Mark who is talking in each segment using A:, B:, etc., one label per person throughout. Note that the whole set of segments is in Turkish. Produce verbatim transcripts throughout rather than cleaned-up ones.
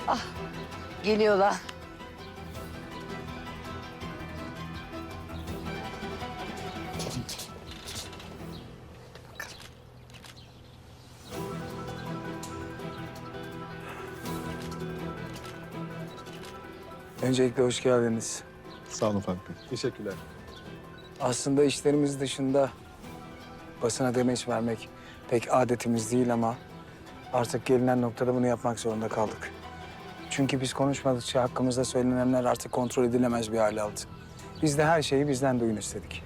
A: Ah, geliyorlar. Gelin, gelin. Bakalım.
B: Öncelikle hoş geldiniz.
C: Sağ olun Faruk Bey. Teşekkürler.
B: Aslında işlerimiz dışında basına demeç vermek pek adetimiz değil ama artık gelinen noktada bunu yapmak zorunda kaldık. Çünkü biz konuşmadıkça hakkımızda söylenenler artık kontrol edilemez bir hale aldı. Biz de her şeyi bizden duyun istedik.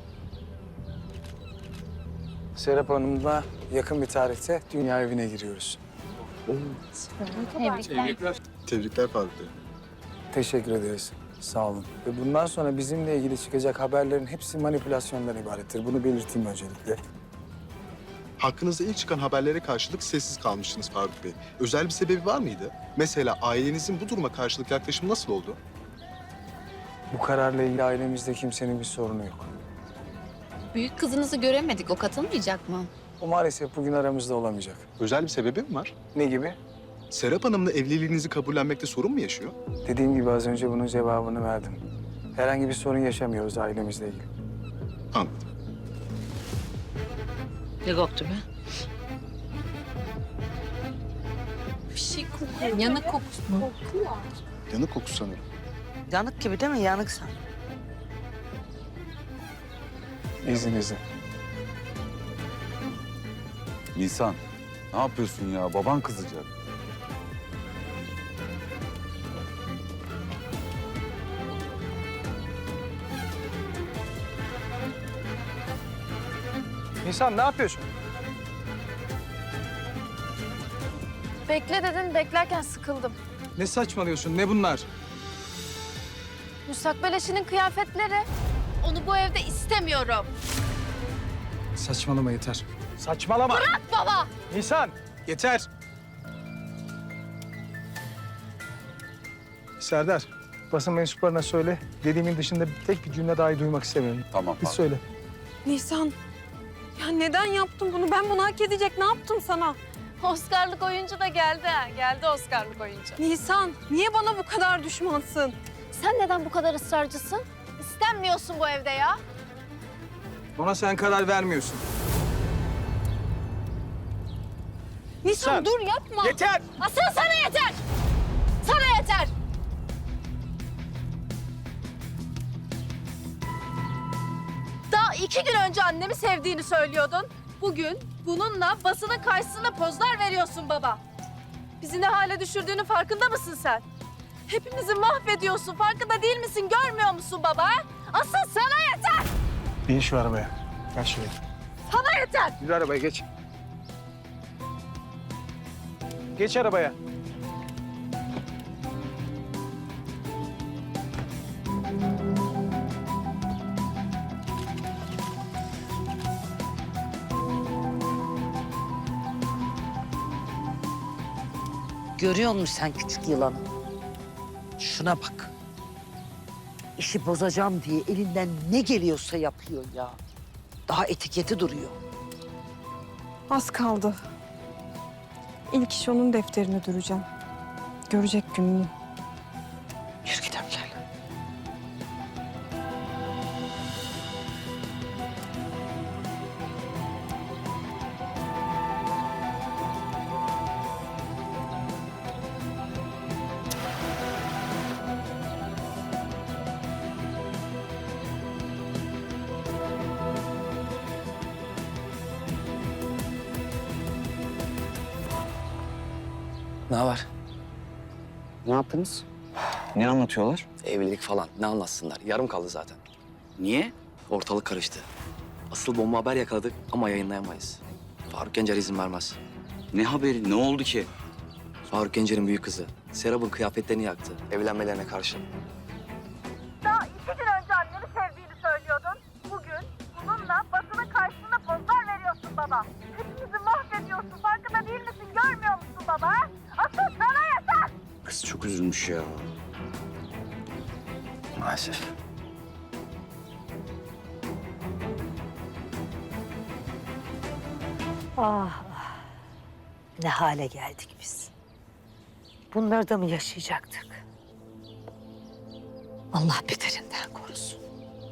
B: Serap Hanım'la yakın bir tarihte dünya evine giriyoruz.
D: Tebrikler.
C: Tebrikler Faruk Bey.
B: Teşekkür ederiz. Sağ olun. Ve bundan sonra bizimle ilgili çıkacak haberlerin hepsi manipülasyondan ibarettir. Bunu belirteyim öncelikle.
C: Hakkınızda ilk çıkan haberlere karşılık sessiz kalmıştınız Faruk Bey. Özel bir sebebi var mıydı? Mesela ailenizin bu duruma karşılık yaklaşımı nasıl oldu?
B: Bu kararla ilgili ailemizde kimsenin bir sorunu yok.
D: Büyük kızınızı göremedik. O katılmayacak mı?
B: O maalesef bugün aramızda olamayacak.
C: Özel bir sebebi mi var?
B: Ne gibi?
C: Serap Hanım'la evliliğinizi kabullenmekte sorun mu yaşıyor?
B: Dediğim gibi az önce bunun cevabını verdim. Herhangi bir sorun yaşamıyoruz ailemizle ilgili.
C: Anladım.
A: Ne koktu be?
D: Bir şey kokuyor. Yanık kokusu mu?
C: Yanık kokusu sanırım.
A: Yanık gibi değil mi? Yanıksan.
B: İzninizle.
E: Nisan, ne yapıyorsun ya? Baban kızacak.
B: Nisan ne yapıyorsun?
F: Bekle dedin, beklerken sıkıldım.
B: Ne saçmalıyorsun? Ne bunlar?
F: Müstakbel eşinin kıyafetleri. Onu bu evde istemiyorum.
B: Saçmalama yeter. Saçmalama.
F: Bırak baba!
B: Nisan yeter. Serdar, basın mensuplarına söyle. Dediğimin dışında tek bir cümle dahi duymak istemiyorum.
E: Tamam.
B: Biz
E: abi.
B: söyle.
G: Nisan, ya neden yaptın bunu? Ben bunu hak edecek ne yaptım sana?
F: Oscar'lık oyuncu da geldi ha. Geldi Oscar'lık oyuncu.
G: Nisan, niye bana bu kadar düşmansın?
F: Sen neden bu kadar ısrarcısın? İstenmiyorsun bu evde ya.
B: Ona sen karar vermiyorsun.
G: Nisan
B: Sen-
G: dur yapma.
B: Yeter!
F: Asıl sana yeter! Sana yeter! Daha iki gün önce annemi sevdiğini söylüyordun. Bugün bununla basının karşısında pozlar veriyorsun baba. Bizi ne hale düşürdüğünün farkında mısın sen? Hepimizi mahvediyorsun. Farkında değil misin? Görmüyor musun baba? ha? Asıl sana yeter!
B: Bin şu arabaya. Gel şuraya.
F: Sana yeter!
B: Yürü arabaya geç. Geç arabaya.
A: Görüyor musun sen küçük yılanı? Şuna bak. İşi bozacağım diye elinden ne geliyorsa yapıyor ya. Daha etiketi duruyor.
G: Az kaldı. İlk iş onun defterine duracağım. Görecek gününü.
A: Yürü gidelim gel.
H: Ne var?
I: Ne yaptınız?
H: Ne anlatıyorlar?
I: Evlilik falan. Ne anlatsınlar? Yarım kaldı zaten.
H: Niye?
I: Ortalık karıştı. Asıl bomba haber yakaladık ama yayınlayamayız. Faruk Gencer izin vermez.
H: Ne haberi? Ne oldu ki?
I: Faruk Gencer'in büyük kızı. Serap'ın kıyafetlerini yaktı. Evlenmelerine karşı.
F: Daha iki gün önce annemi sevdiğini söylüyordun. Bugün bununla basının karşısında pozlar veriyorsun baba. Hepimizi mahvediyorsun. Farkında değil misin? Görmüyor musun baba? ha? Asıl sana yeter!
H: Kız çok üzülmüş ya.
I: Maalesef.
A: Ah, ah. Ne hale geldik biz. Bunları da mı yaşayacaktık? Allah beterinden korusun.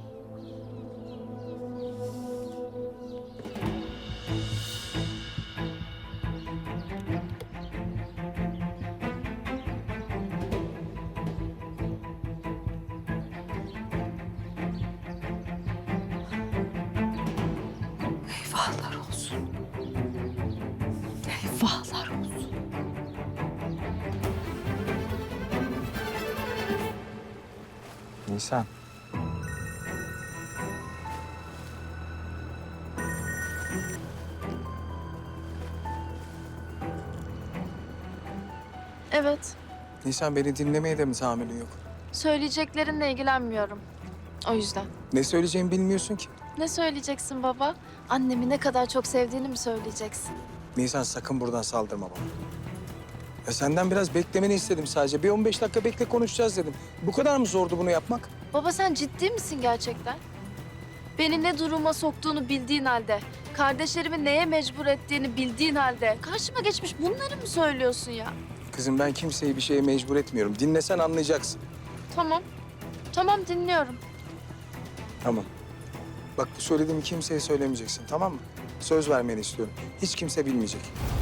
A: Eyvahlar olsun. Eyvahlar olsun.
B: Nisan.
F: Evet.
B: Nisan beni dinlemeye de mi tahammülün yok?
F: Söyleyeceklerinle ilgilenmiyorum. O yüzden.
B: Ne söyleyeceğimi bilmiyorsun ki.
F: Ne söyleyeceksin baba? Annemi ne kadar çok sevdiğini mi söyleyeceksin?
B: Nisan sakın buradan saldırma bana. Ya senden biraz beklemeni istedim sadece. Bir on beş dakika bekle konuşacağız dedim. Bu kadar mı zordu bunu yapmak?
F: Baba sen ciddi misin gerçekten? Beni ne duruma soktuğunu bildiğin halde, kardeşlerimi neye mecbur ettiğini bildiğin halde karşıma geçmiş bunları mı söylüyorsun ya?
B: Kızım ben kimseyi bir şeye mecbur etmiyorum. Dinlesen anlayacaksın.
F: Tamam. Tamam dinliyorum.
B: Tamam. Bak bu söylediğimi kimseye söylemeyeceksin tamam mı? Söz vermeni istiyorum. Hiç kimse bilmeyecek.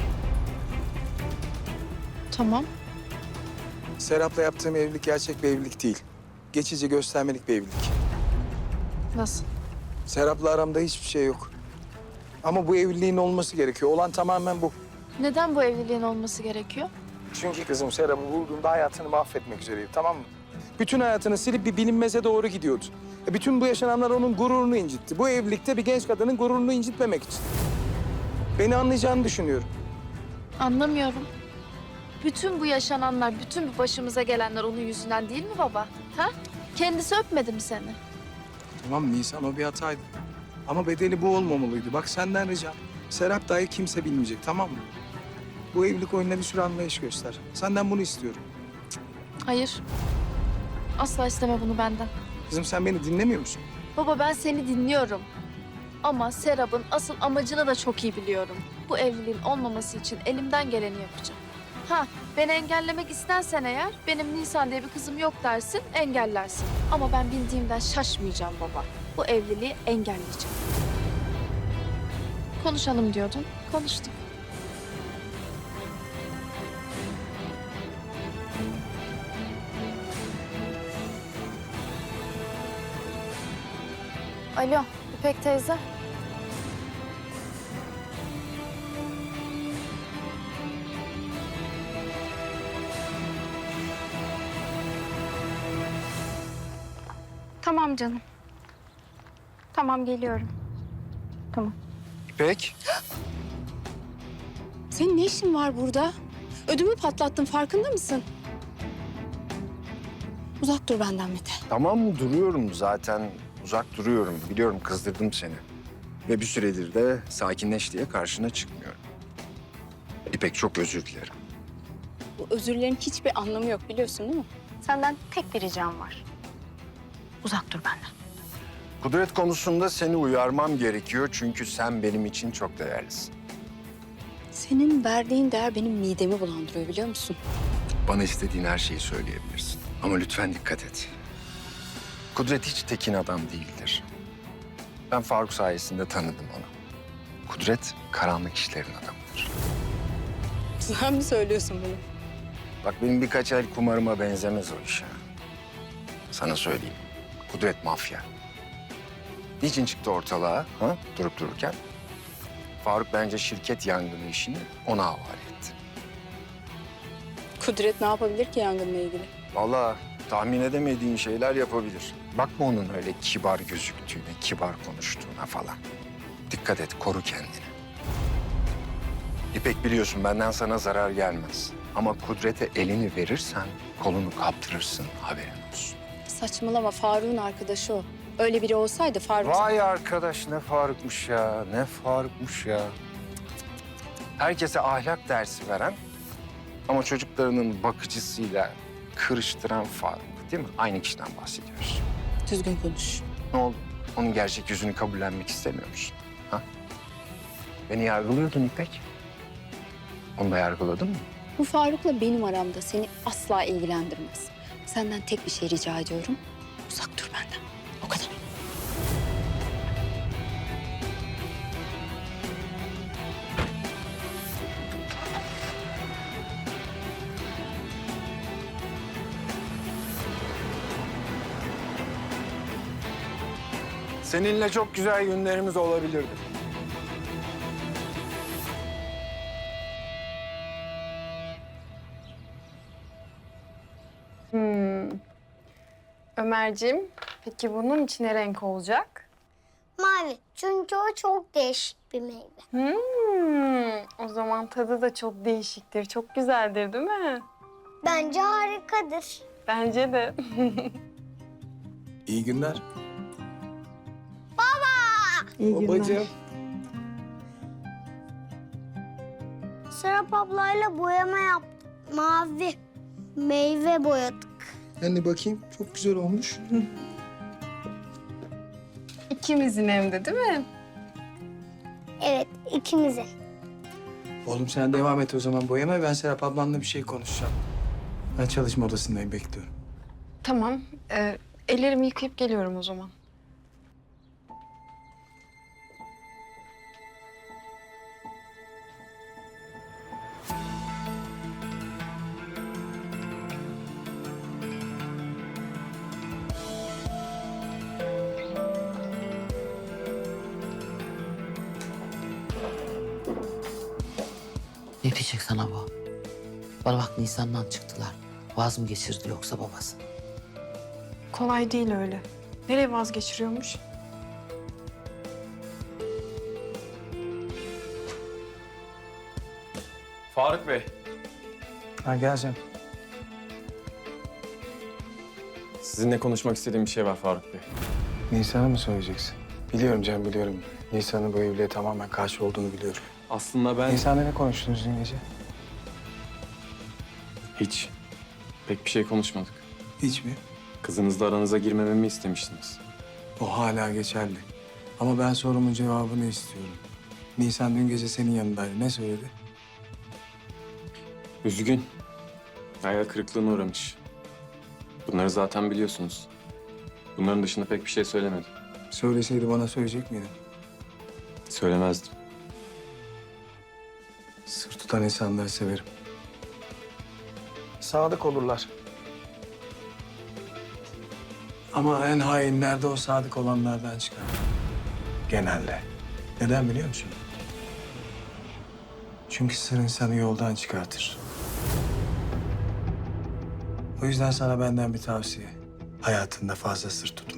F: Tamam.
B: Serap'la yaptığım evlilik gerçek bir evlilik değil. Geçici göstermelik bir evlilik.
F: Nasıl?
B: Serap'la aramda hiçbir şey yok. Ama bu evliliğin olması gerekiyor. Olan tamamen bu.
F: Neden bu evliliğin olması gerekiyor?
B: Çünkü kızım Serap'ı bulduğumda hayatını mahvetmek üzereydi tamam mı? Bütün hayatını silip bir bilinmeze doğru gidiyordu. E bütün bu yaşananlar onun gururunu incitti. Bu evlilikte bir genç kadının gururunu incitmemek için. Beni anlayacağını düşünüyorum.
F: Anlamıyorum. Bütün bu yaşananlar, bütün bu başımıza gelenler onun yüzünden değil mi baba? Ha? Kendisi öpmedi mi seni?
B: Tamam Nisan o bir hataydı. Ama bedeli bu olmamalıydı. Bak senden ricam. Serap dahi kimse bilmeyecek tamam mı? Bu evlilik oyununa bir sürü anlayış göster. Senden bunu istiyorum.
F: Hayır. Asla isteme bunu benden.
B: Kızım sen beni dinlemiyor musun?
F: Baba ben seni dinliyorum. Ama Serap'ın asıl amacını da çok iyi biliyorum. Bu evliliğin olmaması için elimden geleni yapacağım. Ha, beni engellemek istersen eğer, benim Nisan diye bir kızım yok dersin, engellersin. Ama ben bildiğimden şaşmayacağım baba. Bu evliliği engelleyeceğim. Konuşalım diyordun, konuştuk. Alo, İpek teyze.
G: Tamam canım. Tamam geliyorum.
B: İpek.
G: Senin ne işin var burada? Ödümü patlattın farkında mısın? Uzak dur benden Mete.
J: Tamam duruyorum zaten. Uzak duruyorum. Biliyorum kızdırdım seni. Ve bir süredir de sakinleş diye karşına çıkmıyorum. İpek çok özür dilerim.
G: Bu özürlerin hiçbir anlamı yok biliyorsun değil mi? Senden tek bir ricam var. Uzak dur benden.
J: Kudret konusunda seni uyarmam gerekiyor çünkü sen benim için çok değerlisin.
G: Senin verdiğin değer benim midemi bulandırıyor biliyor musun?
J: Bana istediğin her şeyi söyleyebilirsin. Ama lütfen dikkat et. Kudret hiç tekin adam değildir. Ben Faruk sayesinde tanıdım onu. Kudret karanlık işlerin adamıdır.
G: Sen mi söylüyorsun bunu?
J: Bak benim birkaç el kumarıma benzemez o iş ha. Sana söyleyeyim. Kudret mafya. Niçin çıktı ortalığa ha? Durup dururken? Faruk bence şirket yangını işini ona havale etti.
G: Kudret ne yapabilir ki yangınla ilgili?
J: Vallahi tahmin edemediğin şeyler yapabilir. Bakma onun öyle kibar gözüktüğüne, kibar konuştuğuna falan. Dikkat et, koru kendini. İpek biliyorsun benden sana zarar gelmez. Ama Kudret'e elini verirsen kolunu kaptırırsın, haberin olsun.
G: Saçmalama Faruk'un arkadaşı o. Öyle biri olsaydı Faruk...
J: Vay arkadaş ne Faruk'muş ya, ne Faruk'muş ya. Herkese ahlak dersi veren ama çocuklarının bakıcısıyla kırıştıran Faruk değil mi? Aynı kişiden bahsediyoruz.
G: Düzgün konuş.
J: Ne oldu? Onun gerçek yüzünü kabullenmek istemiyor musun? Ha? Beni yargılıyordun İpek. Onu da yargıladın mı?
G: Bu Faruk'la benim aramda seni asla ilgilendirmez. Senden tek bir şey rica ediyorum. Uzak dur benden. O kadar.
B: Seninle çok güzel günlerimiz olabilirdi.
K: Hmm. Ömerciğim, peki bunun içine renk olacak?
L: Mavi. Çünkü o çok değişik bir meyve.
K: Hmm. O zaman tadı da çok değişiktir, çok güzeldir değil mi?
L: Bence harikadır.
K: Bence de.
B: İyi günler.
K: İyi
B: Babacığım.
L: Serap ablayla boyama yaptık. Mavi meyve boyadık.
B: Anne bakayım, çok güzel olmuş.
K: İkimizin hem de değil mi?
L: Evet, ikimize.
B: Oğlum sen devam et o zaman boyama. Ben Serap ablanla bir şey konuşacağım. Ben çalışma odasındayım, bekliyorum.
K: Tamam. Ee, ellerimi yıkayıp geliyorum o zaman.
A: Ne diyecek sana bu? Bana bak Nisan'dan çıktılar. Vaz mı geçirdi yoksa babası?
K: Kolay değil öyle. Nereye vazgeçiriyormuş?
I: Faruk Bey.
B: Ha gel sen.
M: Sizinle konuşmak istediğim bir şey var Faruk Bey.
B: Nisan'a mı söyleyeceksin? Biliyorum Can, biliyorum. Nisan'ın bu evliliğe tamamen karşı olduğunu biliyorum.
M: Aslında ben...
B: Nisan'la ne konuştunuz dün gece?
M: Hiç. Pek bir şey konuşmadık.
B: Hiç mi?
M: Kızınızla aranıza girmememi istemiştiniz.
B: O hala geçerli. Ama ben sorumun cevabını istiyorum. Nisan dün gece senin yanındaydı. Ne söyledi?
M: Üzgün. Hayal kırıklığına uğramış. Bunları zaten biliyorsunuz. Bunların dışında pek bir şey söylemedi.
B: Söyleseydi bana söyleyecek miydin?
M: Söylemezdim.
B: Sır tutan insanları severim. Sadık olurlar. Ama en hainler de o sadık olanlardan çıkar. Genelde. Neden biliyor musun? Çünkü sır insanı yoldan çıkartır. O yüzden sana benden bir tavsiye. Hayatında fazla sır tutma.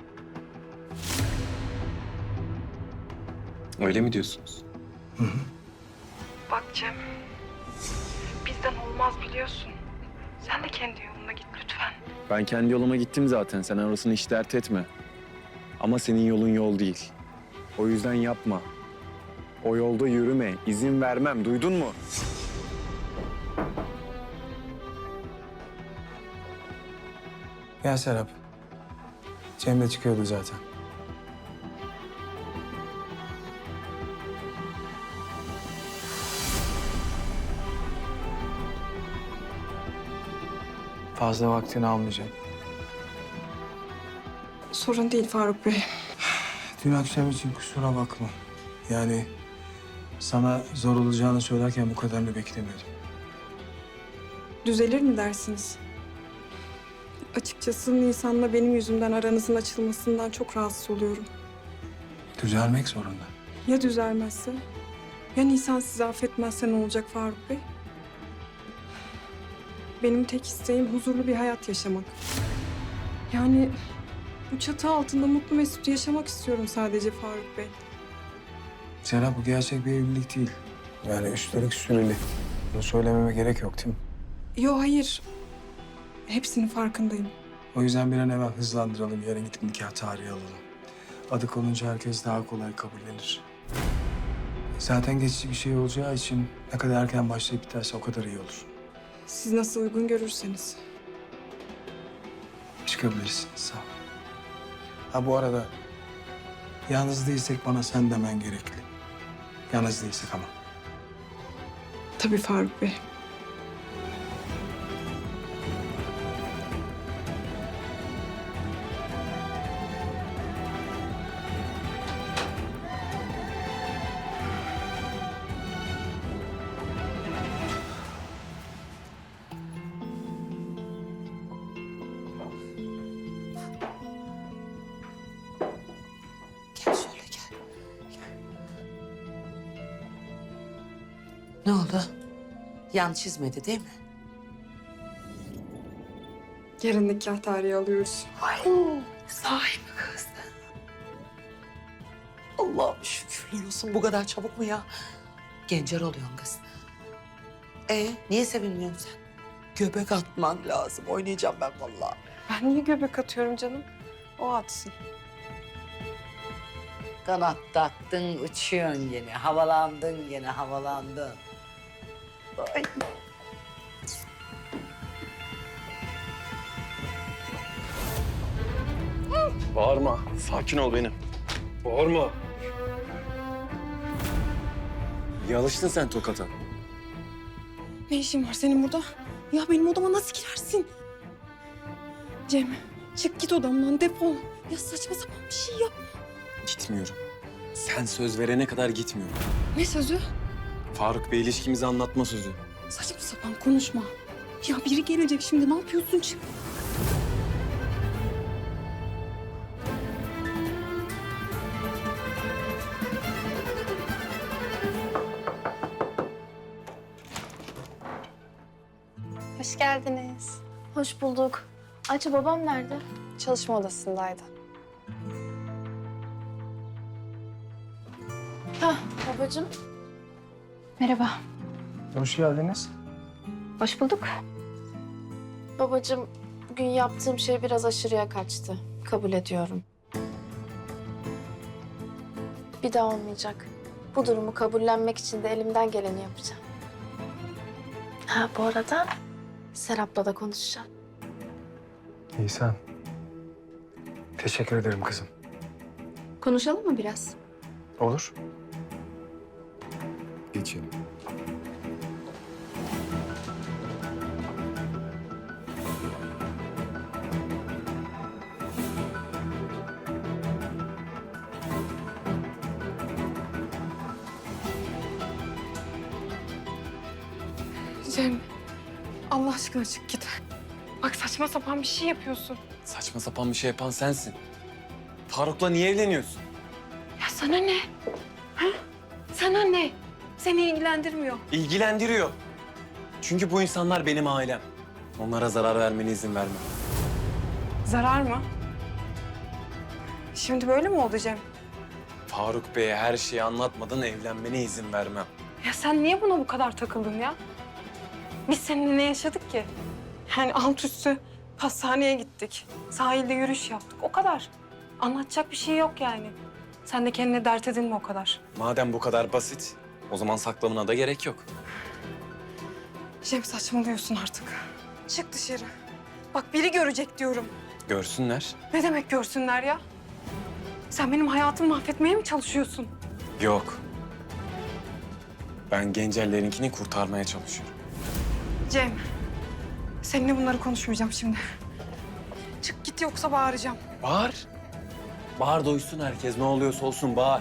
M: Öyle mi diyorsunuz?
B: Hı hı.
K: Bak Cem, bizden olmaz biliyorsun. Sen de kendi yoluna git lütfen.
M: Ben kendi yoluma gittim zaten. Sen orasını hiç dert etme. Ama senin yolun yol değil. O yüzden yapma. O yolda yürüme. İzin vermem. Duydun mu?
B: Gel Serap. Cem de çıkıyordu zaten. Fazla vaktini almayacağım.
K: Sorun değil Faruk Bey.
B: Dün akşam için kusura bakma. Yani sana zor olacağını söylerken bu kadarını beklemiyordum.
K: Düzelir mi dersiniz? Açıkçası Nisan'la benim yüzümden aranızın açılmasından çok rahatsız oluyorum.
B: Düzelmek zorunda.
K: Ya düzelmezse? Ya Nisan sizi affetmezse ne olacak Faruk Bey? Benim tek isteğim huzurlu bir hayat yaşamak. Yani bu çatı altında mutlu mesut yaşamak istiyorum sadece Faruk Bey.
B: Serap bu gerçek bir evlilik değil. Yani üstelik süreli. Bunu söylememe gerek yok değil mi?
K: Yo hayır. Hepsinin farkındayım.
B: O yüzden bir an evvel hızlandıralım. Yarın gidip nikah tarihi alalım. Adı konunca herkes daha kolay kabullenir. Zaten geçici bir şey olacağı için ne kadar erken başlayıp biterse o kadar iyi olur.
K: Siz nasıl uygun görürseniz.
B: Çıkabilirsin. Sağ ol. Ha bu arada yalnız değilsek bana sen demen gerekli. Yalnız değilsek ama.
K: Tabii Faruk Bey.
A: Ne oldu? Yan çizmedi değil mi?
K: Yarın nikah tarihi alıyoruz.
A: Ay, sahi mi kız? Allah'ım şükürler olsun. Bu kadar çabuk mu ya? Gencer oluyorsun kız. E niye sevinmiyorsun sen? Göbek atman lazım. Oynayacağım ben vallahi.
K: Ben niye göbek atıyorum canım? O atsın.
A: Kanat taktın, uçuyorsun gene. Havalandın gene, havalandın. Ay.
M: Bağırma. Sakin ol benim. Bağırma. İyi alıştın sen tokata.
K: Ne işin var senin burada? Ya benim odama nasıl girersin? Cem, çık git odamdan, defol. Ya saçma sapan bir şey yap.
M: Gitmiyorum. Sen söz verene kadar gitmiyorum.
K: Ne sözü?
M: Faruk Bey ilişkimizi anlatma sözü.
K: Saçma sapan konuşma. Ya biri gelecek şimdi, ne yapıyorsun? Çık.
G: Hoş geldiniz.
F: Hoş bulduk. Ayça babam nerede?
G: Çalışma odasındaydı.
F: Hah babacığım.
G: Merhaba.
B: Hoş geldiniz.
G: Hoş bulduk.
F: Babacığım bugün yaptığım şey biraz aşırıya kaçtı. Kabul ediyorum. Bir daha olmayacak. Bu durumu kabullenmek için de elimden geleni yapacağım. Ha bu arada Serap'la da konuşacağım.
B: Nisan. Teşekkür ederim kızım.
G: Konuşalım mı biraz?
B: Olur.
M: Geçelim.
K: Cem, Allah aşkına çık git. Bak saçma sapan bir şey yapıyorsun.
M: Saçma sapan bir şey yapan sensin. Faruk'la niye evleniyorsun?
K: Ya sana ne? Ha? Sana ne? Seni ilgilendirmiyor.
M: İlgilendiriyor. Çünkü bu insanlar benim ailem. Onlara zarar vermene izin vermem.
K: Zarar mı? Şimdi böyle mi oldu Cem?
M: Faruk Bey'e her şeyi anlatmadan evlenmene izin vermem.
K: Ya sen niye buna bu kadar takıldın ya? Biz seninle ne yaşadık ki? Yani alt üstü pastaneye gittik. Sahilde yürüyüş yaptık. O kadar. Anlatacak bir şey yok yani. Sen de kendine dert edinme o kadar.
M: Madem bu kadar basit, o zaman saklamına da gerek yok.
K: Cem saçmalıyorsun artık. Çık dışarı. Bak biri görecek diyorum.
M: Görsünler.
K: Ne demek görsünler ya? Sen benim hayatımı mahvetmeye mi çalışıyorsun?
M: Yok. Ben Gencerlerinkini kurtarmaya çalışıyorum.
K: Cem, seninle bunları konuşmayacağım şimdi. Çık git yoksa bağıracağım.
M: Bağır. Bağır duysun herkes. Ne oluyorsa olsun bağır.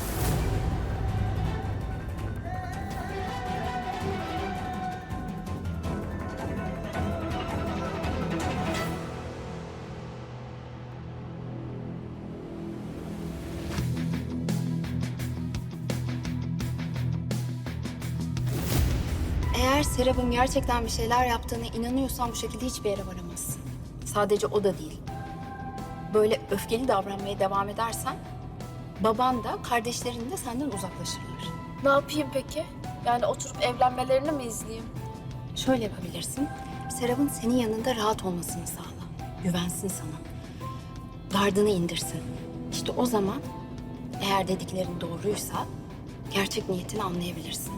G: Eğer Serap'ın gerçekten bir şeyler yaptığına inanıyorsan bu şekilde hiçbir yere varamazsın. Sadece o da değil. Böyle öfkeli davranmaya devam edersen baban da kardeşlerin de senden uzaklaşırlar.
F: Ne yapayım peki? Yani oturup evlenmelerini mi izleyeyim?
G: Şöyle yapabilirsin. Serap'ın senin yanında rahat olmasını sağla. Güvensin sana. Gardını indirsin. İşte o zaman eğer dediklerin doğruysa gerçek niyetini anlayabilirsin.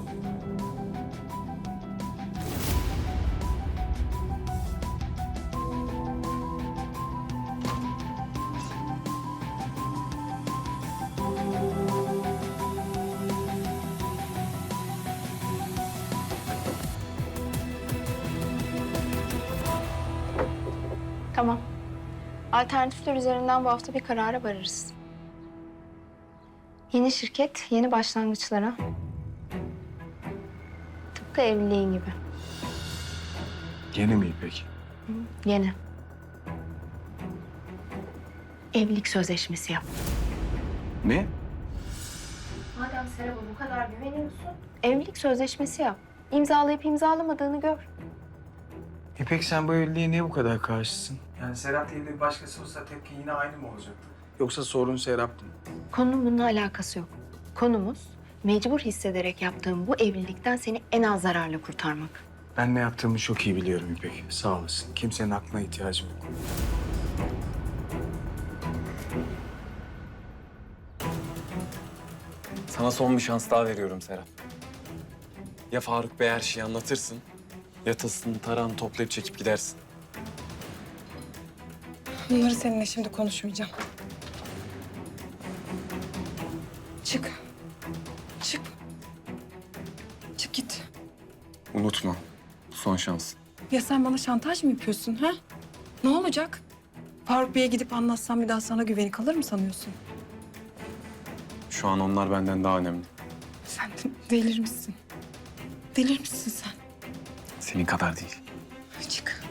G: Tamam. Alternatifler üzerinden bu hafta bir karara varırız. Yeni şirket, yeni başlangıçlara. Tıpkı evliliğin gibi.
B: Yeni mi peki?
G: Yeni. Evlilik sözleşmesi yap.
B: Ne?
F: Madem
G: Serap'a bu kadar güveniyorsun. Evlilik sözleşmesi yap. İmzalayıp imzalamadığını gör.
B: İpek sen bu evliliğe niye bu kadar karşısın? Yani Serap değil de bir başkası olsa tepki yine aynı mı olacaktı? Yoksa sorun Serap'tı mı?
G: Konunun bununla alakası yok. Konumuz mecbur hissederek yaptığım bu evlilikten seni en az zararla kurtarmak.
B: Ben ne yaptığımı çok iyi biliyorum İpek. Sağ olasın. Kimsenin aklına ihtiyacım yok.
M: Sana son bir şans daha veriyorum Serap. Ya Faruk Bey her şeyi anlatırsın, ya tasını tarağını toplayıp çekip gidersin.
K: Bunları seninle şimdi konuşmayacağım. Çık. Çık. Çık git.
M: Unutma, bu son şans.
K: Ya sen bana şantaj mı yapıyorsun ha? Ne olacak? Faruk Bey'e gidip anlatsam bir daha sana güveni kalır mı sanıyorsun?
M: Şu an onlar benden daha önemli.
K: Sen de delirmişsin. Delirmişsin sen.
M: Senin kadar değil.
K: Çık.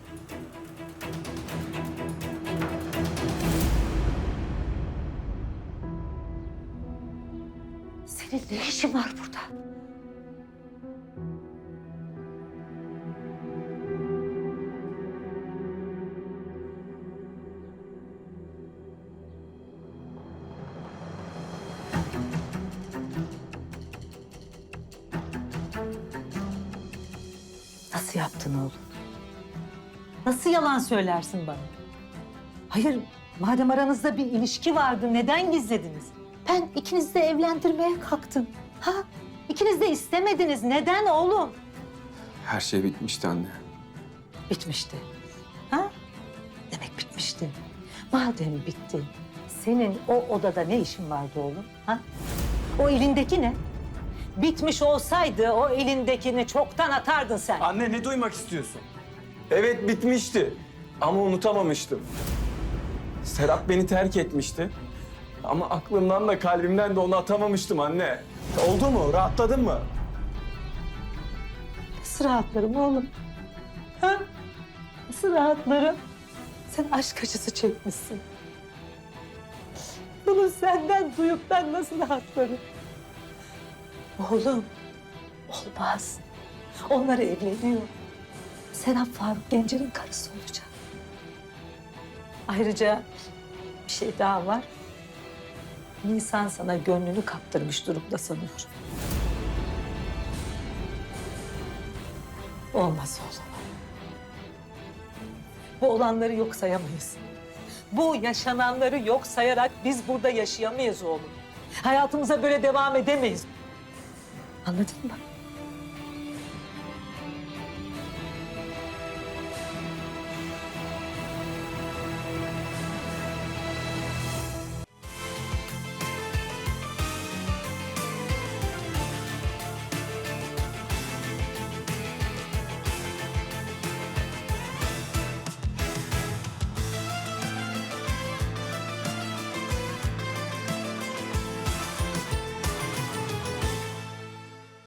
A: Senin ne işin var burada? Nasıl yaptın oğlum? Nasıl yalan söylersin bana? Hayır, madem aranızda bir ilişki vardı, neden gizlediniz? Ben ikinizi de evlendirmeye kalktım. Ha? İkiniz de istemediniz. Neden oğlum?
M: Her şey bitmişti anne.
A: Bitmişti. Ha? Demek bitmişti. Madem bitti, senin o odada ne işin vardı oğlum? Ha? O elindeki ne? Bitmiş olsaydı o elindekini çoktan atardın sen.
M: Anne ne duymak istiyorsun? Evet bitmişti ama unutamamıştım. Serap beni terk etmişti. Ama aklımdan da kalbimden de onu atamamıştım anne. Oldu mu? Rahatladın mı?
A: Nasıl rahatlarım oğlum? Ha? Nasıl rahatlarım? Sen aşk acısı çekmişsin. Bunu senden duyup ben nasıl rahatlarım? Oğlum, olmaz. Onlar evleniyor. Serap Faruk Gencer'in karısı olacak. Ayrıca bir şey daha var. Nisan sana gönlünü kaptırmış durumda sanıyorum. Olmaz oğlum. Bu olanları yok sayamayız. Bu yaşananları yok sayarak biz burada yaşayamayız oğlum. Hayatımıza böyle devam edemeyiz. Anladın mı?